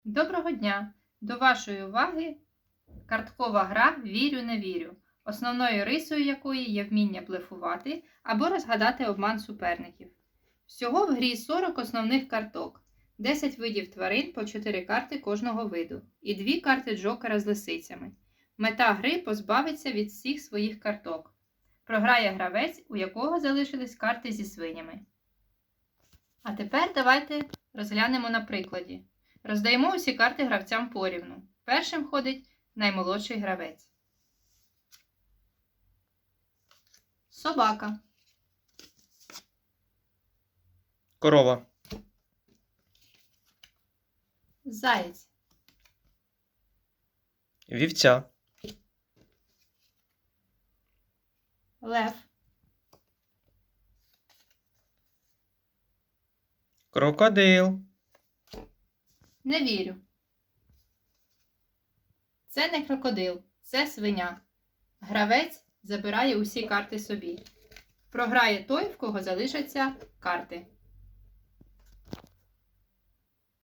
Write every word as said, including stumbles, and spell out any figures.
Доброго дня! До вашої уваги карткова гра «Вірю-не вірю», основною рисою якої є вміння блефувати або розгадати обман суперників. Всього в грі сорок основних карток, десять видів тварин по чотири карти кожного виду і дві карти джокера з лисицями. Мета гри – позбавитися від всіх своїх карток. Програє гравець, у якого залишились карти зі свинями. А тепер давайте розглянемо на прикладі. Роздаємо усі карти гравцям порівну. Першим ходить наймолодший гравець. Собака. Корова. Заєць. Вівця. Лев. Крокодил. Не вірю. Це не крокодил, це свиня. Гравець забирає усі карти собі. Програє той, в кого залишаться карти.